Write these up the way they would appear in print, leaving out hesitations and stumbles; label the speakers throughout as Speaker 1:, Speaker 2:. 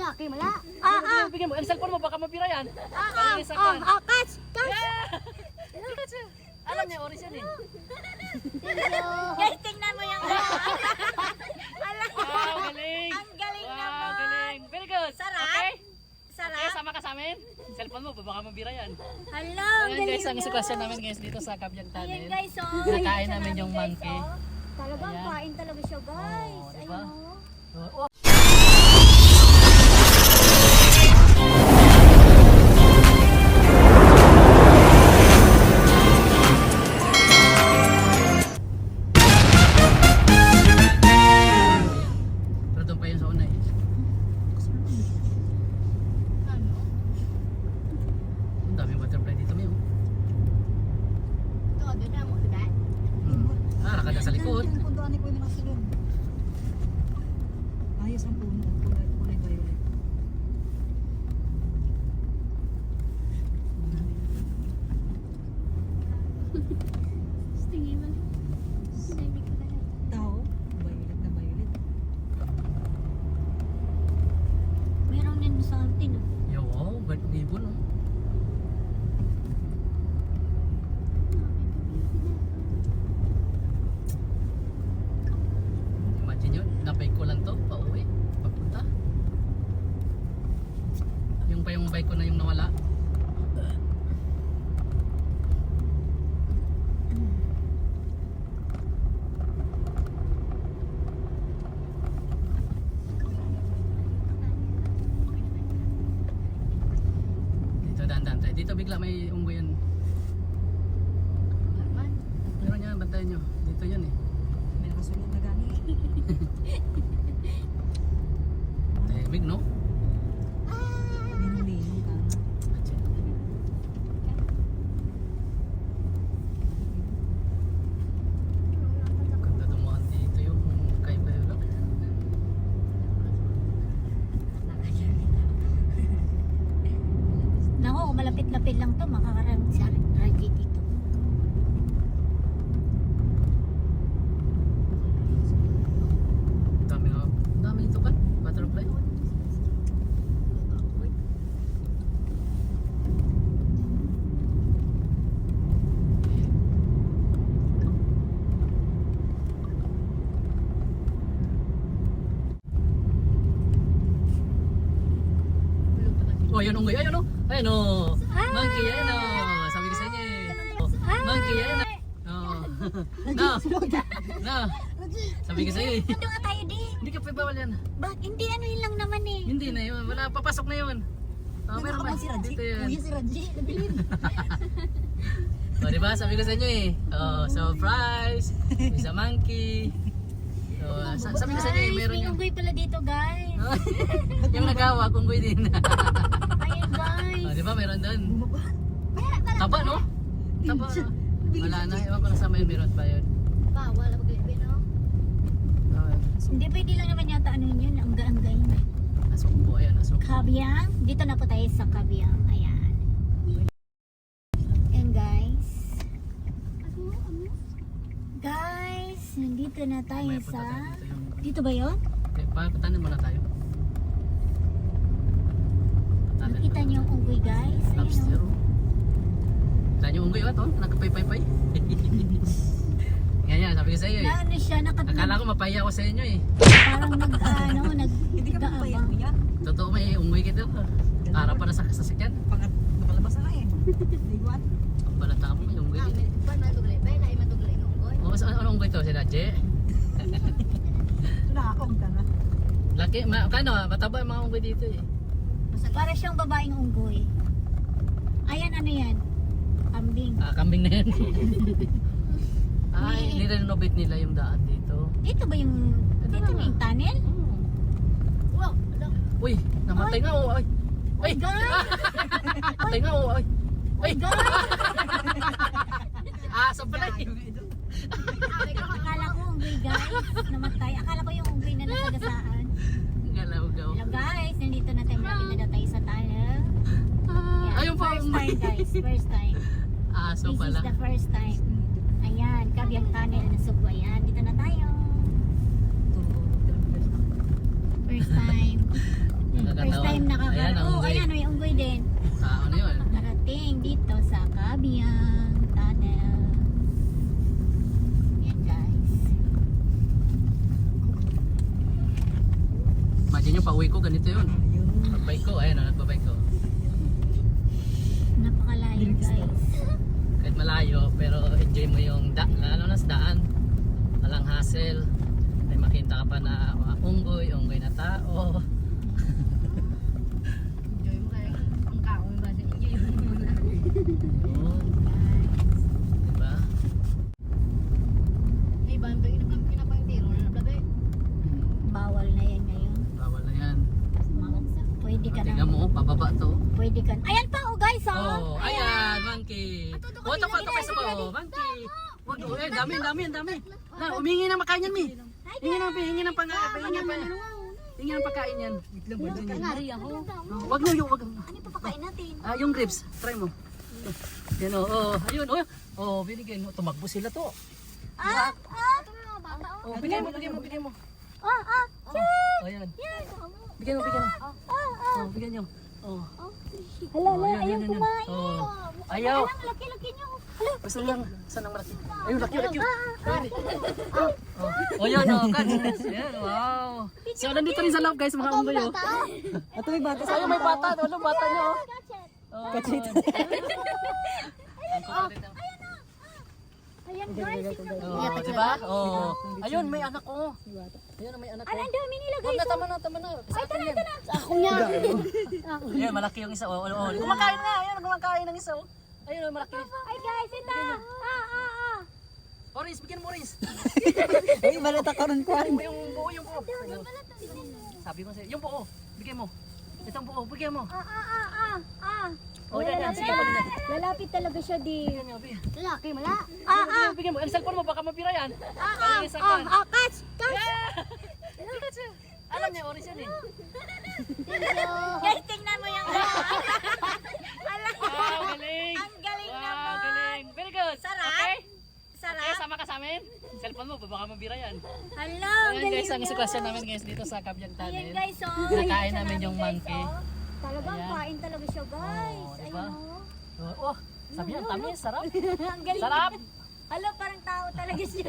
Speaker 1: Laki mala.
Speaker 2: Bigyan mo. Ang cellphone mo, baka mapira yan.
Speaker 1: Catch!
Speaker 2: Alam niya, oris yan eh.
Speaker 1: Guys, tingnan mo yung
Speaker 2: Wow, galing.
Speaker 1: Ang galing
Speaker 2: Wow,
Speaker 1: naman.
Speaker 2: galing. Very good.
Speaker 1: Sarap?
Speaker 2: Okay?
Speaker 1: Sarap?
Speaker 2: Okay, sama ka sa amin. Cellphone mo, baka mapira yan.
Speaker 1: Hello,
Speaker 2: Ayan guys, ang sitwasyon namin guys dito sa Kabyang
Speaker 1: Ayan
Speaker 2: Tunnel.
Speaker 1: guys,
Speaker 2: Nakain namin yung monkey.
Speaker 1: Talagang
Speaker 2: Ayan.
Speaker 1: kain talaga siya guys.
Speaker 2: Oo, diba?
Speaker 1: Ayun
Speaker 2: Oh, pero doon pa yun sa una eh. Ang daming butterfly dito may. Nakada sa likod.
Speaker 3: Ang pundoan ni Kuya nakasulong. Ayos ang puno. Kulay violet. Tao. Violet na violet.
Speaker 1: Meron din sa atin.
Speaker 2: Yo, wow, bird ibon oh. Imagine yun, napay ko lang to, pauwi, papunta. Yung pa yung bike ko na yung nawala. Dito dandan tayo. Dito bigla may unggoy yan. Meron yan, bantayan nyo. Dito yan eh.
Speaker 3: May nakasulong na gani.
Speaker 2: Big no?
Speaker 3: Ninong-ninong ka na.
Speaker 2: Ganda dumaan dito yung kay Bayolak.
Speaker 1: Nako, malapit-lapit lang to, makakaramit sa radyo dito.
Speaker 2: Dami nga. Dami dito pa. Butterfly. Oh, yun unggoy. Ayun oh. Ayun oh. Monkey, ayun oh. Sabi ko sa inyo eh. Oh, monkey, ayun oh. Oh. No. No. Sabi ko sa iyo eh.
Speaker 1: Nandun nga tayo di.
Speaker 2: Hindi ka pa bawal yan.
Speaker 1: Bakit? Hindi, ano yun lang naman eh.
Speaker 2: Hindi na yun. Wala, papasok na yun. Oh, meron ba?
Speaker 3: Nakakabang si Raji.
Speaker 2: Dito yun.
Speaker 3: Kuya si Raji. Nabilin.
Speaker 2: Oh, diba? Sabi ko sa inyo eh. Oh, surprise! Is a monkey. So, sabi ko sa inyo eh,
Speaker 1: Guys,
Speaker 2: meron
Speaker 1: may
Speaker 2: yung...
Speaker 1: unggoy pala dito guys.
Speaker 2: yung nagawa, kunggoy din.
Speaker 1: Ayun guys.
Speaker 2: Oh, diba? Meron doon. Taba, no? Taba. Wala na. Ewan ko na sa may meron pa yun.
Speaker 1: Bawal ako bilibin no?
Speaker 2: Oh,
Speaker 1: Hindi, pwede lang naman yata ano yun, ang gaanggay na.
Speaker 2: asok po. Ayan, asok.
Speaker 1: Kabyang. Dito na po tayo sa Kabyang. Ayan. Ayan guys. Guys, nandito na tayo
Speaker 2: May punta
Speaker 1: sa...
Speaker 2: tayo dito yung...
Speaker 1: Dito ba yun?
Speaker 2: Okay, patanin muna tayo. Patanin
Speaker 1: Nakita
Speaker 2: muna.
Speaker 1: niyo yung unggoy guys?
Speaker 2: Lobster.
Speaker 1: Ayun, oh.
Speaker 2: Saan yung unggoy? Ito, nakapay-pay-pay. Ganyan, sabi ko sa iyo eh.
Speaker 1: Na ano siya,
Speaker 2: Akala ko mapaya ako sa inyo eh.
Speaker 1: parang nag
Speaker 3: Hindi ka mapayan mo yan.
Speaker 2: Totoo may unggoy kita. Harap pa na sa sasakyan.
Speaker 3: Nakalabas na eh. Liwan.
Speaker 2: Ang balata mo, may unggoy din eh. O, saan anong unggoy to? Si Raje?
Speaker 3: Nakakong ka na.
Speaker 2: Laki, kano, mataba yung mga unggoy dito eh.
Speaker 1: Para siyang babaeng unggoy. Ayan, ano yan? Kambing.
Speaker 2: Ah, kambing na yan. Ay, nirenovate nila yung daan dito.
Speaker 1: Dito ba yung... Dito ba yung tunnel?
Speaker 2: Uy, namatay nga oh. Ay. Ay,
Speaker 1: God!
Speaker 2: namatay nga oh. Ay. Ay.
Speaker 1: God!
Speaker 2: Aso pala eh.
Speaker 1: Akala ko unggoy guys. Namatay. Akala ko yung unggoy na nasagasaan.
Speaker 2: Galaw-gaw.
Speaker 1: Hello guys, nandito na tayo. Malapit na daw tayo sa tunnel. Ayan,
Speaker 2: Ayun pa.
Speaker 1: first time guys. First time.
Speaker 2: Aso
Speaker 1: This
Speaker 2: pala.
Speaker 1: is the first time. Ayan, Kabyang Tunnel na Subo. Ayan, dito na tayo. First time.
Speaker 2: Nakakatawa
Speaker 1: time
Speaker 2: Ayan, ang
Speaker 1: Oh,
Speaker 2: unggoy.
Speaker 1: ayan, may unggoy din.
Speaker 2: Ano yun?
Speaker 1: Narating dito sa Kabiang Tunnel. Yan guys.
Speaker 2: Imagine yung pauwi ko, ganito yun. Pagbike ko, ayan o, nagbabike ko.
Speaker 1: Napakalayo guys.
Speaker 2: Kahit malayo, pero enjoy mo yung lalo na sa daan. Walang hassle. May makita ka pa na mga unggoy na tao.
Speaker 3: Enjoy mo kayo. Ang kaon ba? Enjoy mo muna.
Speaker 2: Yun. Diba?
Speaker 3: Hey, ba? Pinapang tiro na nablabay.
Speaker 1: Bawal na yan ngayon.
Speaker 2: Bawal na yan.
Speaker 1: Pwede ka
Speaker 2: Tingnan mo, pababa to.
Speaker 1: Pwede ka. Ayan pa oh guys oh.
Speaker 2: Oh, ayan, monkey. Oh, ito pa sa baba. Monkey. Wag, eh, dami. Na, umingi ng makain yan, Mi. Hingi ng pagkain yan.
Speaker 3: Ngari ako.
Speaker 2: Wag mo, wag.
Speaker 1: Ano pa pakain natin?
Speaker 2: Yung grapes, try mo. Yan oh, ayun, oh. Oh, binigay mo. Tumakbo sila to. Oh, bigay mo. Oh, ayan. Bigyan mo. Oh, bigyan nyo. Oh.
Speaker 1: Hala,
Speaker 2: Ayan,
Speaker 1: ayaw
Speaker 2: yan.
Speaker 1: kumain.
Speaker 2: Oh. Ayaw.
Speaker 1: Laki-laki niyo.
Speaker 2: Basta lang. Saan ang malaki? Ayun, laki. Oh, yan oh. Catch. Yan, wow. So, nandito rin sa loob guys, mga unggoy oh.
Speaker 3: Ito may bata.
Speaker 2: Ayun, may bata. Ano, bata niyo oh. Oh.
Speaker 3: Kachit.
Speaker 1: Ayan guys, tingnan mo.
Speaker 2: Oh, diba? Oh. Ayun, may anak ko. Ayun, may anak ko.
Speaker 1: Ang dami nila
Speaker 2: Huwag
Speaker 1: guys.
Speaker 2: na, tama na. Sa akin yan.
Speaker 1: Ako niya.
Speaker 2: Ayun, malaki yung isa. Oh. Kumakain nga. Ayun, kumakain ng isa. Oh. Ayun, malaki.
Speaker 1: Ay guys, ito.
Speaker 2: Oris, bigyan mo Oris.
Speaker 3: Uy, balata ka rin ko.
Speaker 2: Yung buo. Sabi ko sa'yo, yung buo. Bigyan mo. Itong buo, bigyan mo. Oh, yan. Sige, bigyan mo.
Speaker 1: Lalapit talaga siya di.
Speaker 2: Bigyan mo.
Speaker 1: Lalaki, mala.
Speaker 2: Bigyan mo. Ang cellphone mo, baka mapira yan.
Speaker 1: Catch.
Speaker 2: Alam niya, Oris yan eh.
Speaker 1: Guys, tingnan mo yung
Speaker 2: Wow, galing.
Speaker 1: Ang galing
Speaker 2: Wow,
Speaker 1: naman.
Speaker 2: galing. Very good.
Speaker 1: Sarap.
Speaker 2: Okay?
Speaker 1: Sarap.
Speaker 2: Okay, sama ka sa amin. Cellphone mo, baka mapira yan.
Speaker 1: Hello, ang
Speaker 2: Ayan
Speaker 1: galing
Speaker 2: guys, ang
Speaker 1: niya.
Speaker 2: sitwasyon namin guys dito sa Kabyang
Speaker 1: Ayan
Speaker 2: Tunnel.
Speaker 1: guys, oh.
Speaker 2: Kinakain
Speaker 1: Isa
Speaker 2: namin yung
Speaker 1: guys,
Speaker 2: monkey.
Speaker 1: oh. Talagang
Speaker 2: Ayan.
Speaker 1: kain talaga siya guys.
Speaker 2: Oh,
Speaker 1: Ayun
Speaker 2: diba?
Speaker 1: oh.
Speaker 2: Oh, sabi yan, tamis, sarap.
Speaker 1: Ang galing.
Speaker 2: Sarap.
Speaker 1: Alo, parang tao talaga siya.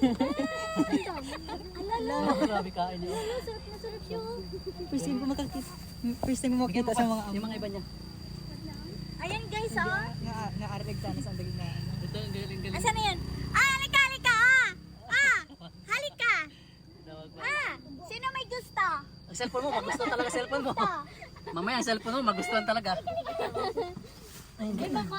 Speaker 1: Alala.
Speaker 2: Oh, grabe kain niya.
Speaker 1: Sarap na sarap siya.
Speaker 3: First time ko makakita. First time ko makita sa mga
Speaker 2: Yung mga iba niya.
Speaker 1: Ayan guys, oh.
Speaker 3: Nga-areg sana sa andagin na.
Speaker 2: Ito, ang galing.
Speaker 1: Asan na yan? Halika. Halika. Sino may gusto?
Speaker 2: Ang cellphone mo, magustuhan talaga cellphone mo. Mamaya ang cellphone mo, magustuhan talaga.
Speaker 1: Ay, baka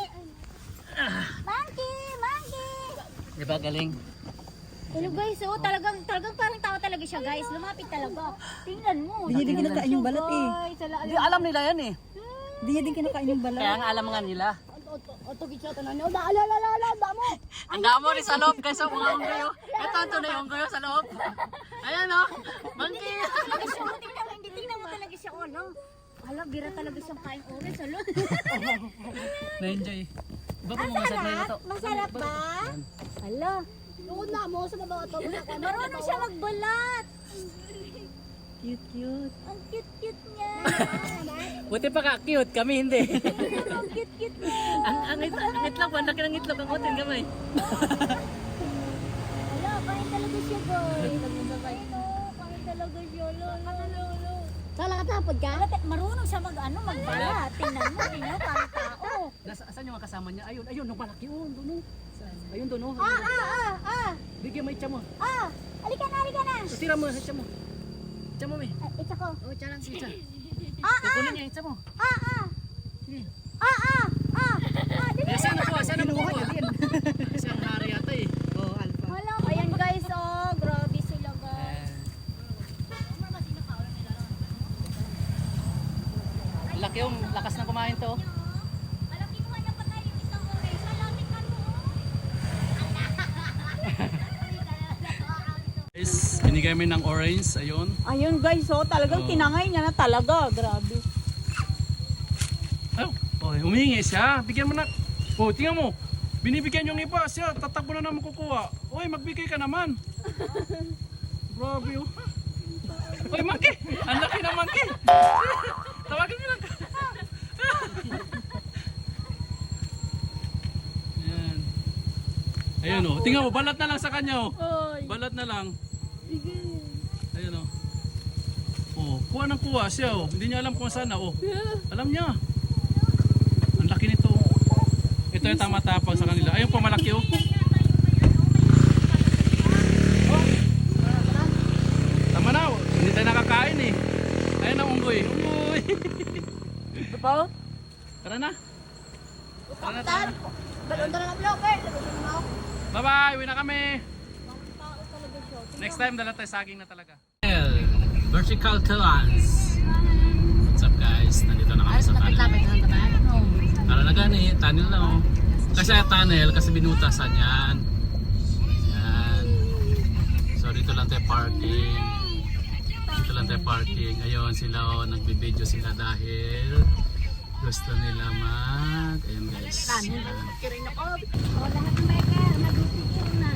Speaker 1: Monkey.
Speaker 2: Diba galing?
Speaker 1: Hello guys, oh, talagang parang tao talaga siya guys. Lumapit talaga. Tingnan mo.
Speaker 3: Di niya din kinakain yung balat eh.
Speaker 1: Guys, ala.
Speaker 2: Hindi, alam nila yan eh.
Speaker 3: Di niya din kinakain yung balat.
Speaker 2: Kaya nga alam nga nila.
Speaker 1: Oto gitsa tanan. Oh, ala mo.
Speaker 2: Ang damo rin sa loob guys, ang mga unggoy. Ito ang tunay unggoy sa loob. Ayan oh, monkey.
Speaker 1: Talaga siya. Tingnan mo talaga siya, oh, no. Hala, bira talaga siyang kain orange, alo.
Speaker 2: Na-enjoy. Iba pa mga sa na ito.
Speaker 1: Masarap ba? Hala. Noon na mo sa mga to. Marunong siya magbalat.
Speaker 3: Cute.
Speaker 1: Ang cute niya.
Speaker 2: Buti pa ka cute, kami hindi.
Speaker 1: Ang cute niya.
Speaker 2: ang itlog, ang laki ng itlog, ang kutin kamay.
Speaker 1: Hala, kain talaga siya, guys. Kain talaga siya, lolo. Sala ka tapod ka? Marunong siya magbalat. Tingnan mo, parang tao.
Speaker 2: Saan yung mga kasama niya? Ayun, nung malaki yun, doon. Ayun doon, oh. Bigyan mo itcha mo.
Speaker 1: Halika na.
Speaker 2: Tira mo, itcha mo. Itcha mo, may.
Speaker 1: Itsa ko.
Speaker 2: Oh, itcha lang, itcha. Kukunin niya, itcha mo. Sige. Saan nakuha? Kasi ang hari yata eh.
Speaker 3: Oh, alpha.
Speaker 1: Hala, ayan guys, oh. Grabe sila, guys.
Speaker 2: Laki yung lakas na kumain to.
Speaker 1: Malaki mo na patay yung isang orange. Malapit ka mo.
Speaker 2: Guys, binigay mo ng orange, ayun.
Speaker 3: Ayun guys, oh, talagang tinangay niya na talaga. Grabe.
Speaker 4: Oh, humingi siya. Bigyan mo na. Oh, tingnan mo. Binibigyan yung iba siya. Tatakbo na naman kukuha. Oy, magbigay ka naman. Grabe oh. Oy, monkey. Ang laki na monkey. Ayan o. Tingnan mo, balat na lang sa kanya o. Balat na lang. Ayan o. Oh, kuha ng kuha siya o. Hindi niya alam kung saan na o. Alam niya. Ang laki nito. Ito yung tama-tapang sa kanila. Ayun pa malaki o. Tama na o. Hindi tayo nakakain eh. Ayun ang unggoy. Unggoy.
Speaker 3: Ito pa?
Speaker 4: Tara na. Tara na.
Speaker 1: Balon na lang vlog eh.
Speaker 4: Bye-bye. Uwi na kami. Next time dala tayo saging na talaga.
Speaker 2: Vertical Clans. What's up guys? Nandito na kami sa tunnel. Tara na gani, tunnel na oh. Kasi tunnel, kasi binutasan yan. Yan. So dito lang tayo parking. Dito lang tayo parking. Ayun sila oh, nagbibideo sila dahil gusto nila ayun guys. Yan.
Speaker 1: O lahat ng biker, mag-video na.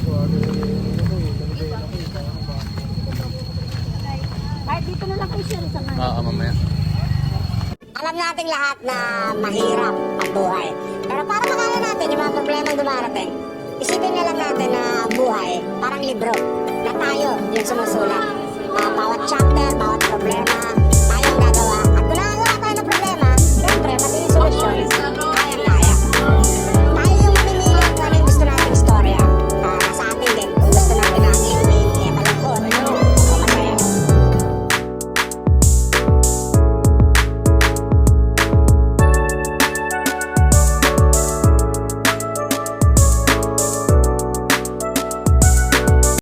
Speaker 1: Kahit dito na lang kayo share sa ngayon.
Speaker 2: Oo, mamaya.
Speaker 5: Alam nating lahat na mahirap ang buhay. Pero para makala natin yung mga problema dumarating, isipin na lang natin na ang buhay parang libro na tayo yung sumusulat.